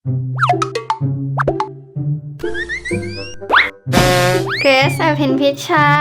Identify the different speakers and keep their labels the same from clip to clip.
Speaker 1: เกรซอภินพิชชา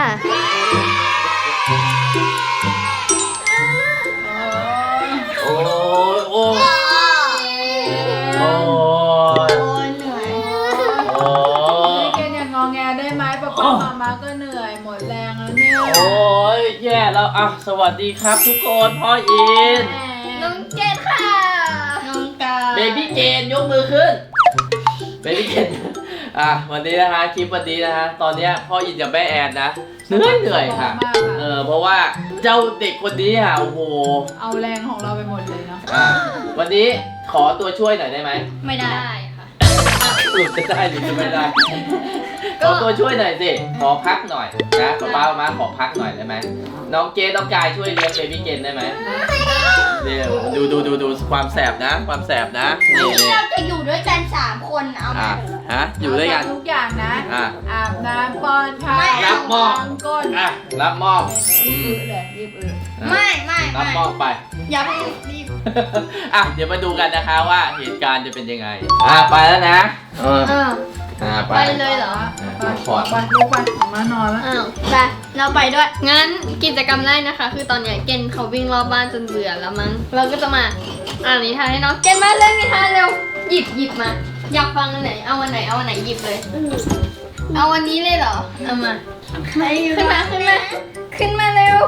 Speaker 2: โอ้ยโอ้ยโอ้ย
Speaker 1: เหนื่อย
Speaker 2: โอ้ย
Speaker 3: เกนอย่างงอแงได้ไหมป๊าป๊ามาก็เหนื่อยหมดแรงแล้วเนี่ย
Speaker 2: โอ้ยแย่แล้วอ่ะสวัสดีครับทุกคนพ่ออิน
Speaker 1: น้องเจนค่ะน้องกา
Speaker 2: เบบี้เจนยกมือขึ้นเบบี้เจนวันนี้นะคะคลิปวันนี้นะคะตอนเนี้ยพ่ออินกับแม่แอนนะเหนื่อยค่ะเพราะว่าเจ้าเด็กคนนี้โอ้โห
Speaker 3: เอาแรงของเราไปหมดเลยเนาะ
Speaker 2: วันนี้ขอตัวช่วยหน่อยได้ไหม
Speaker 1: ไม่ได้ค่ะ
Speaker 2: สรุปจะได้หรือจะไม่ได้ ขอตัวช่วยหน่อยสิขอพักหน่อยนะป้ามาขอพักหน่อยได้ไหมน้องเกดน้องกายช่วยเลี้ยงเบบี้เกนได้ไหมเดี๋ยวดูความแสบนะความแสบนะนี่
Speaker 1: เราจะอยู่ด้วยกัน3 คนเอาไหม
Speaker 2: อยู่ด้วยกัน
Speaker 3: ทุกอย่างนะ อาบน้ำป้อนข้าว
Speaker 2: รับมอบ
Speaker 3: ล้างก้น
Speaker 2: รับมอบ
Speaker 3: รีบเลยรีบอึ
Speaker 1: ไม่
Speaker 2: รับมอบไป
Speaker 1: อย่าเพิ่งรีบ
Speaker 2: เดี๋ยวมาดูกันนะคะว่าเหตุการณ์จะเป็นยังไงไปแล้วนะไป
Speaker 1: ไปเลยเหรอ
Speaker 3: ขอไปลูกไปออกมานอนแล้ว
Speaker 1: อ้าวไปเราไปด้วย งั้นกิจกรรมแรกนะคะ คือตอนเนี้ยเกณฑ์เขาวิ่งรอบบ้านจนเบื่อแล้วมั้ง เราก็จะมาอ่านนิทานให้น้องเกณฑ์มาเล่นนิทานเร็ว หยิบมา อยากฟังอันไหน เอาวันไหนหยิบเลย เอาวันนี้เลยเหรอ เอามา ขึ้นมาเร็ว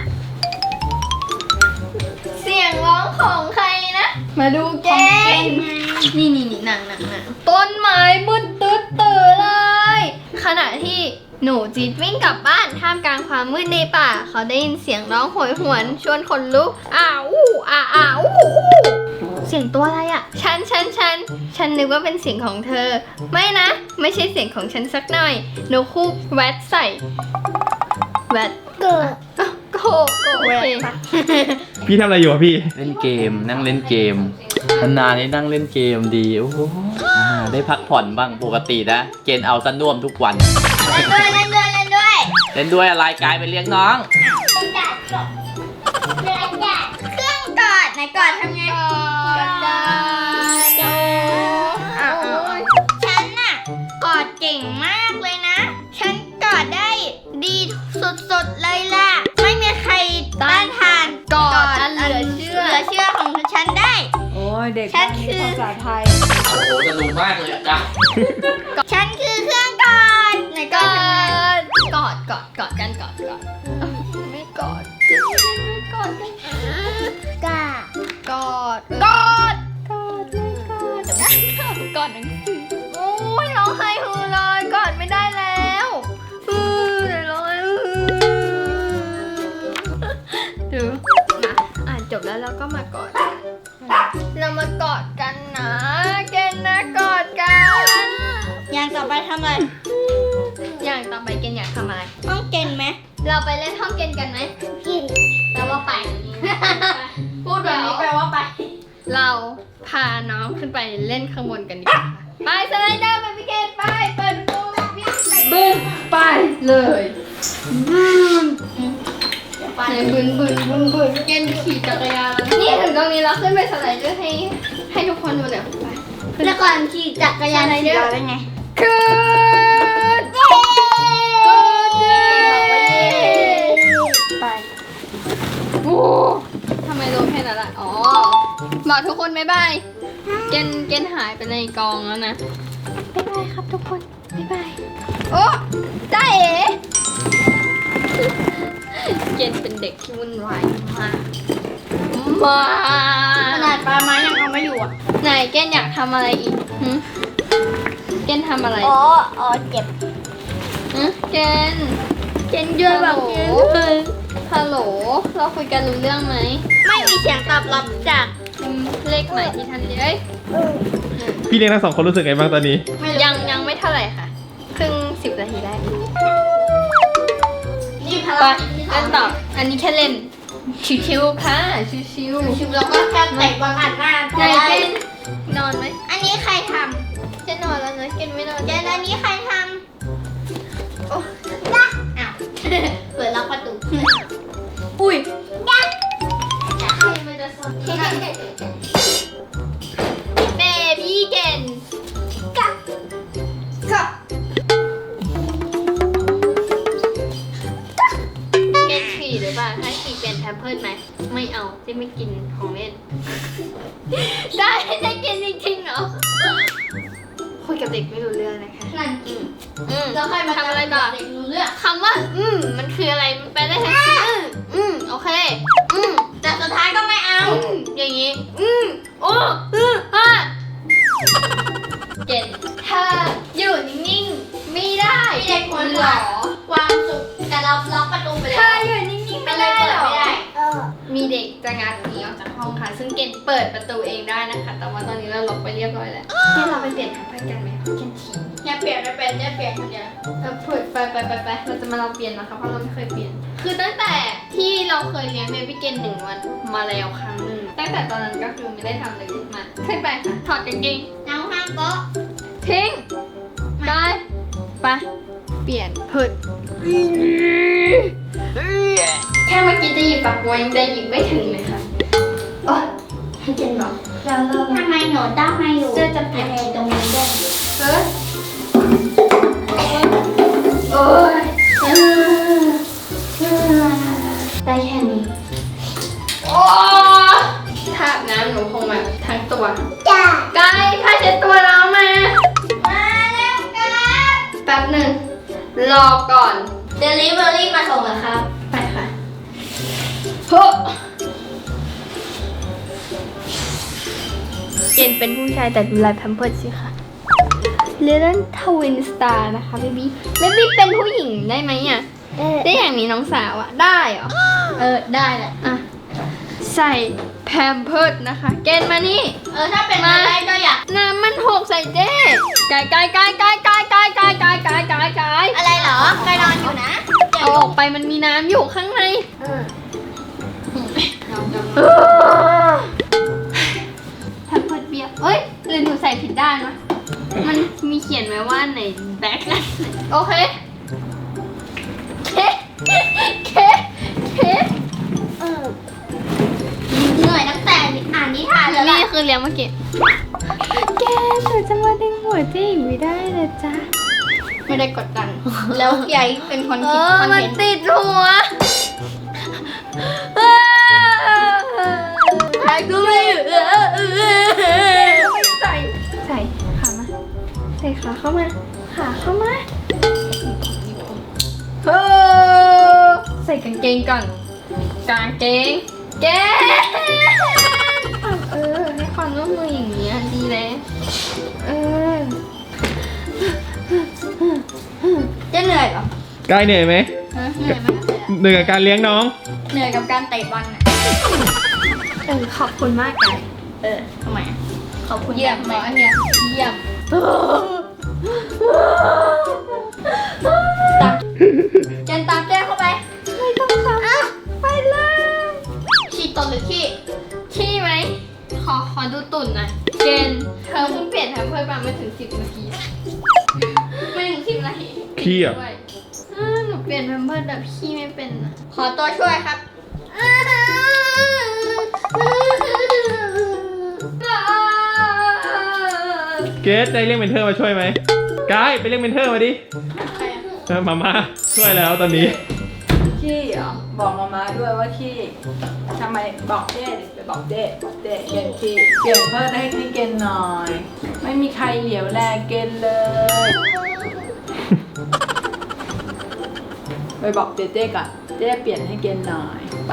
Speaker 1: เสียงร้องของใครนะ มาดูเกณฑ์นี่หนังต้นไม้มืดตื่นเลย ขณะที่หนูจีดวิ่งกลับบ้านท่ามกลางความมืดในป่า เขาได้ยินเสียงร้องโหยหวนชวนขนลุกเสียงตัวอะไรอ่ะฉันนึกว่าเป็นเสียงของเธอ ไม่นะ ไม่ใช่เสียงของฉันสักหน่อยหนูคู่แวดใส่แวดโกโอเค
Speaker 4: พี่ทำอะไรอยู่อะพี่
Speaker 2: เล่นเกมนั่งเล่นเกมนานๆนี่นั่งเล่นเกมดีโอ้โหได้พักผ่อนบ้างปกตินะเกณฑ์เอาซะน่วมทุกวันเล่นด้วยอะไรกายไปเลี้ยงน้อง
Speaker 1: เครื่องกอดไหนกอดทำไงฉันน่ะกอดเก่งมากเลยนะ ฉันกอดได้ดีสุดๆเลยล่ะ ไม่มีใครต้านทานกอดอันเหลือเชื่อของฉันได้
Speaker 3: โอ้ยเด็ก
Speaker 1: ฉันคือ
Speaker 3: ภาษาไทย
Speaker 2: โอ้โหสนุกมากเลยอะจ้ะ
Speaker 1: ฉันคือเครื่องกอดไหนกอดกันไม่กอดไม่กอดกันกอดหนังสือโอ้ยร้องไห้ฮือเลยกอดไม่ได้แล้วเดี๋ยวร้องไห้ดูมาอ่านจบแล้วเราก็มากอดกันเรามากอดกันนะเกณฑ์นะกอดกันอย่างต่อไปทำอะไรอย่างต่อไปเกณฑ์อยากทำอะไรห้องเกณฑ์ไหมเราไปเล่นห้องเกณฑ์กันไหมแปลว่าไป พูดแบบนี้แปลว่าไป เราพาน้องขึ้นไปเล่นข้างบนกันดีกว่าไปสไลเดอร์ไปพี่เกณฑ์ไปเปิดประตูวิ่งไป
Speaker 3: บึ้งไปเลย
Speaker 1: ไปบึนเกณฑ์ขี่จักรยานนี่ถึงตรงนี้เราขึ้นไปสไลเดอร์ให้ทุกคนดูเดี๋ยวไปแล้วก่อนขี่จักรยานสไลเดอร์ได้ไงขึ้นไปโอ้ทำไมรู้แค่นั้นล่ะอ๋อบอกทุกคนบ๊ายบายเกณฑ์หายไปในกองแล้วนะบ๊ายบายครับทุกคนบ๊ายบายโอ้ได้เอ๋เกณฑ์เป็นเด็กที่วุ่นวายมากขนาดปลาไม้ยังเอาไม่อยู่อ่ะไหนเกณฑ์อยากทำอะไรอีกเกณฑ์ทำอะไรอ๋อเจ็บเกณฑ์เยอะแบบฮัลโหลเราคุยกันรู้เรื่องไหมไม่มีเสียงตอบรับจากเลขใหม่ที่ท่านเอ้ย
Speaker 4: พี่เลี้ยงทั้ง2 คนรู้สึกไงบ้างตอนนี้
Speaker 1: ยังไม่เท่าไหร่ค่ะครึ่ง10 นาทีได้นี่พ
Speaker 3: ไป
Speaker 1: ลังเล่นต่ออันนี้แค่เล่นชิวๆค่ะชิวๆแล้วก็แค่เตะบอลอัดหน้าไหนเกนนอนไหมอันนี้ใครทำจะนอนแล้วนะเกนไม่นอนเกนอันนี้ใครทำโอ้ยอ้าวเปิดล็อกประตูอุ้ยเบบี้เกนด็กไม่รู้เรื่องนะคะ
Speaker 5: นั่นจริง
Speaker 1: แล้วใครมาทำอะไรต่อ
Speaker 5: เด็กรู้เรื่อง
Speaker 1: คำว่ามันคืออะไรมันแปลได้ทั้งโอเค
Speaker 5: แต่สุดท้ายก็ไม่เอา
Speaker 1: อย่างนี้โอ้เก่งเธออยู่นิ่งๆไม่ได้
Speaker 5: มีเด็กคนหรอความสุขแต่เราล็อกประตูไป
Speaker 1: เธ
Speaker 5: แล้ว
Speaker 1: ออยู่นิ่งๆ
Speaker 5: ไม่
Speaker 1: ไม่
Speaker 5: ได้
Speaker 1: ได้
Speaker 5: เปิ
Speaker 1: ห
Speaker 5: ด
Speaker 1: รอ
Speaker 5: ไม่ได้
Speaker 1: มีเด็กจะงัดหนีออกจากห้องค่ะ ซึ่งเกณฑ์เปิดประตูเองได้นะคะ แต่ว่าตอนนี้เราล็อกไปเรียบร้อยแล้วที่เราไปเปลี่ยนทางไปกันไหมเกณฑ์ที
Speaker 5: อย่าเปลี่ยนไม่เป็นอย่าเปลี่ยนคนเดียว
Speaker 1: พูดไปเราจะมาลองเปลี่ยนนะคะเพราะเราไม่เคยเปลี่ยน คือตั้งแต่ที่เราเคยเลี้ยงเบบี้เกน1 วันมาแล้วครั้งหนึ่งตั้งแต่ตอนนั้นก็คือไม่ได้ทำเลยมาขึ้นไปค่ะถอดกางเกง
Speaker 5: น้องห้ามก็
Speaker 1: ทิ้งได้ไปเปลี่ยนพุดแค่เมื่อกี้จะหยิบปากบัวยังได้หยิบไม่ถึงเลยค่ะโอ๊ยให้เจนบอกเรา
Speaker 5: ทำไมหนูต้องมาอยู่
Speaker 1: เสื้อจะเปลี่ยน
Speaker 5: อะไรตรงนี้ด้วย
Speaker 1: เฮ้ยโอ๊ยได้แค่นี้โอ้ทาบน้ำหนูคงแบบทั้งตัว
Speaker 5: จ้าก
Speaker 1: ายถ้าเช็ดตัวแล้วมา
Speaker 5: มาแล้วครับ
Speaker 1: แป๊บหนึ่งรอก่อน
Speaker 5: เดลิเวอรี่มาส่งแล้วครับ
Speaker 1: ไปค่ะโฮ้เกณฑ์เป็นผู้ชายแต่ดูลายแพมเพิร์สสิค่ะ Little Twin Star นะคะเบบี้เป็นผู้หญิงได้ไหมอ่ะ ได้อย่างนี้น้องสาวอ่ะ ได้เหรอ
Speaker 5: ได้แหละ
Speaker 1: อ่ะ ใส่แพมเพิร์สนะคะ เกณฑ์มานี่
Speaker 5: ถ้าเป็นมาได้ก็อยาก
Speaker 1: น้ำมันหกใส่เจ๊กาย
Speaker 5: อะไรเหรอไปนอนอยู่นะ
Speaker 1: เอาออกไปมันมีน้ำอยู่ข้างใน แพมเพิร์สเบียร์เอ้ยหรือหนูใส่ผิดด้านวะมันมีเขียนไว้ว่าไหนแบ็คนะโอเคเค
Speaker 5: เหนื่อยตั้งแต่อ่านนิทานแล้ว
Speaker 1: นี่
Speaker 5: ล่ะ
Speaker 1: คือเลี้ยงเมื่อกี้แกหนูจะมาดึงหัวเจ๊อีกไม่ได้เลยจ้ะไม่ได้กดดัน
Speaker 5: แล้วใหญ่เป็นคนคิดคอน
Speaker 1: มัน
Speaker 5: เทนต์
Speaker 1: ติดหัวใครก็ไม่ใส่ขามาใส่ขาเข้ามาใส่กางเกงก่อนกางเกงให้ความร่วมมืออย่างนี้ดีเลย
Speaker 5: จะเหนื่อยเหรอก
Speaker 4: ายเหนื่อยไหม
Speaker 5: เหนื่อยมากเลยอะ
Speaker 4: เหนื่อยกับการเลี้ยงน้อง
Speaker 5: เหนื่อยกับการเตะบอลน่ะ
Speaker 1: ขอบคุณมากไก่
Speaker 5: ทำไมอะขอบคุณ
Speaker 1: เยี่ยม
Speaker 5: ทำไม
Speaker 1: อันเนี้ยเยี่ยม
Speaker 5: เจนตามเจ้เข้าไป
Speaker 1: ไม่ต้องทำไปเลย
Speaker 5: ขี้ตนหรือขี้
Speaker 1: ขี้ไหมขอดูตุ่นหน่อยเจนเธอเพิ่งเปลี่ยนแพมเพิร์สมาไม่ถึง10 นาทีไม่ถึง10 นาที
Speaker 4: ขี้อ่ะ
Speaker 1: ด้วยหนูเปลี่ยนแพมเพิร์สแบบขี้ไม่เป็นอะ
Speaker 5: ขอตัวช่วยครับ
Speaker 4: เกสได้เรียกเมนเทอร์มาช่วยไหมกายไปเรียกเมนเทอร์มาดิ
Speaker 5: ใครอะ
Speaker 4: มาช่วยแล้วตอนนี้
Speaker 3: ขี้เหรอบอกมาม่าด้วยว่าขี้ทำไมบอกเจ้ดิไปบอกเจ้เกณฑ์ขี้เปลี่ยนเพิ่มให้เกณฑ์หน่อย ไม่มีใครเหลียวแลเกณฑ์เลย ไปบอกเจ้ก่อนเจ้เปลี่ยนให้เกณฑ์หน่อยไป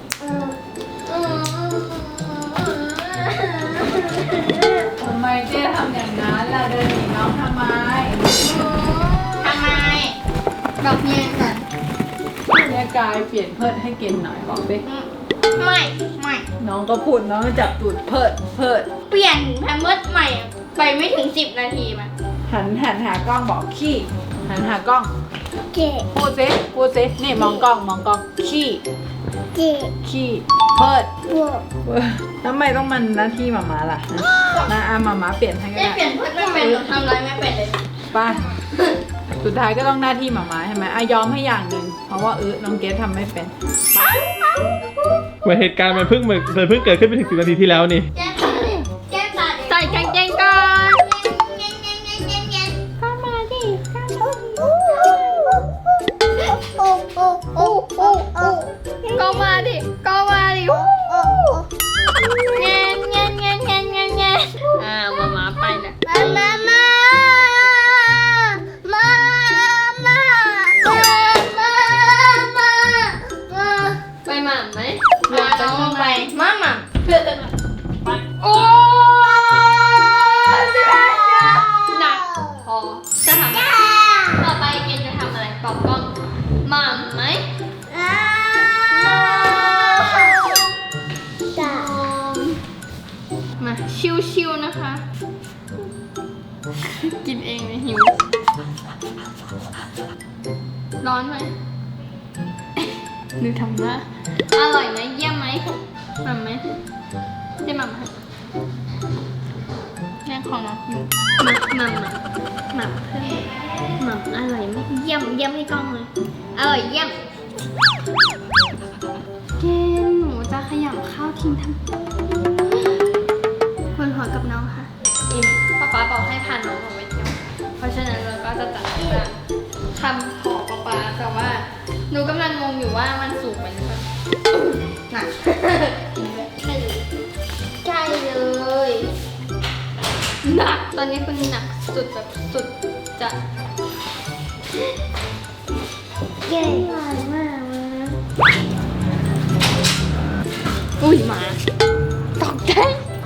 Speaker 3: ทำไมเจ้ทำอย่างนั้นล่ะเดินหนีน้องทำไม
Speaker 5: ทำไม
Speaker 1: บอกเมียก่อน
Speaker 3: เนี่ยกายเปลี่ยนเพิ่มให้เกณฑ์หน่อยบอกดิ
Speaker 5: ไม่
Speaker 3: น้องก็พูดน้องก็จับตูดเพิด
Speaker 5: เปลี่ยนแพมเพิร์สใหม่ไปไม่ถึง10 นาทีมา
Speaker 3: หันหากล้องบอกขี้หันหากล้อง
Speaker 5: เจ๊
Speaker 3: พูดสินี่มองกล้องขี้
Speaker 5: เจ๊
Speaker 3: ขี้เพิด
Speaker 5: บวก
Speaker 3: ทำไมต้องมันหน้าที่หมาล่ะนะอามาเปลี่ยนให้ก็
Speaker 5: เจ๊
Speaker 3: ได้
Speaker 5: เปลี่ยนเพิร์สไม่เป็นหนูทำอะไรไม่เป็นเลย
Speaker 3: ไป้าสุดท้ายก็ต้องหน้าที่หมาใช่ไหมยอมให้อย่างหนึ่งเพราะว่าน้องเกดทำไม่เป็น
Speaker 4: เหตุการณ์มันเพิ่งเกิดขึ้นไปถึง10 นาทีที่แล้วนี่
Speaker 5: แก้ตาดิแก้ตาดิ
Speaker 1: ใส่กางเกงก่อน
Speaker 5: เงี้ย
Speaker 1: เข้ามาดิ ก็มาดิเงี้ยมาไปนะ
Speaker 5: มา
Speaker 1: กินเองเลยหิว ร้อนไหมดูทำหน้าอร่อยไหมเยี่ยมไหมหม่ำไหมได้หม่ำไหมแรงของน้องหิวหม่ำเพิ่มหม่ำอร่อยไหมเยี่ยมเยี่ยมให้กล้องเลยอร่อยเยี่ยมเกนหนูจะขยำข้าวทิ้งทำคนหัวกับน้องค่ะป๊าบอกให้พาน้องออกไปเที่ยวเพราะฉะนั้นเราก็จะจัดการทำของป๊าแต่ว่าหนูกำลังงงอยู่ว่ามันสูงไปหรือเปล่าหนักใช่เลยหนักตอนนี้คือหนักสุดแบบสุดจะใหญ่มากอุ้ยหมาตกใจ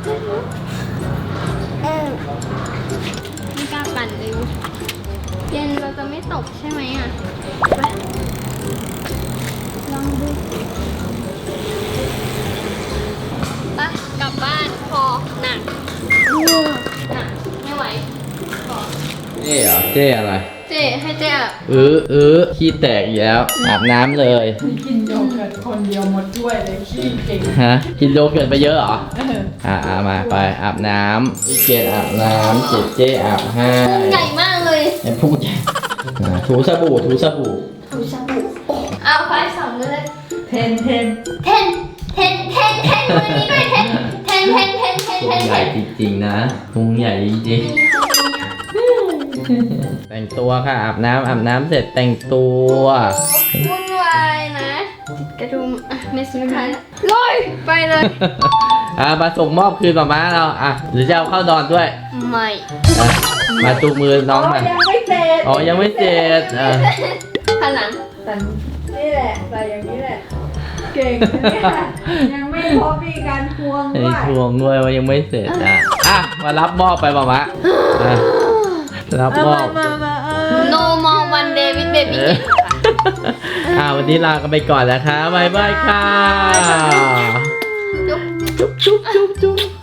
Speaker 1: ไม่กล้าปั่นเลยเย็นเราจะไม่ตกใช่ไหมอ่ะไปลองดูไปกลับบ้านพอหนักไม่ไหวพอ
Speaker 2: เจ๊เหรอเจ๊อะไร
Speaker 1: เจ๊ให้เจ๊อ่ะ
Speaker 2: ขี้แตกอีกแล้วอาบน้ำเลย
Speaker 3: นี่กินโยเกิร์ตคนเดียวหมดถ้วยเลยขี้เก่ง
Speaker 2: ฮะกินโยเกิร์ตไปเยอะเหรอ
Speaker 3: เออ
Speaker 2: มาไปอาบน้ำพี่เกดอาบน้ำเจ๊อาบให้
Speaker 1: พุงใหญ่มากเลย
Speaker 2: ไอ้พุงใหญ่ถูสบู่
Speaker 1: ถูชาบูเอาไฟสองมือเลย
Speaker 3: เทน
Speaker 1: เทนมือนี้ด้วยเทน
Speaker 2: พุงใหญ่จริงๆนะพุงใหญ่จริงๆแต่งตัวค่ะอาบน้ำเสร็จแต่งตัว
Speaker 1: วุ่นวายนะติดกระดุมอ่ะไม่สุดท้ายลอยไปเลย
Speaker 2: มาส่งมอบคืนมาเราหรือจะเอาเข้านอนด้วย
Speaker 1: ไม่
Speaker 2: มาจูงมือน้องมา
Speaker 3: ยังไม่เสร็จ
Speaker 2: อ๋อยังไม่เสร็จ
Speaker 1: ข้างหลัง
Speaker 3: แต่นี่แหละใส่อย่างนี้แหละ เก่งนะเนี่ยยังไม่พบมีการทวง
Speaker 2: ไอ้
Speaker 3: ด้วย
Speaker 2: ทวงด้วยว่ายังไม่เสร็จมารับมอบไปป่ะมะรับมอบ
Speaker 1: No more one day with baby
Speaker 2: วันนี้ลากันไปก่อนนะคะบ๊ายบายค่ะ
Speaker 1: จุ๊บ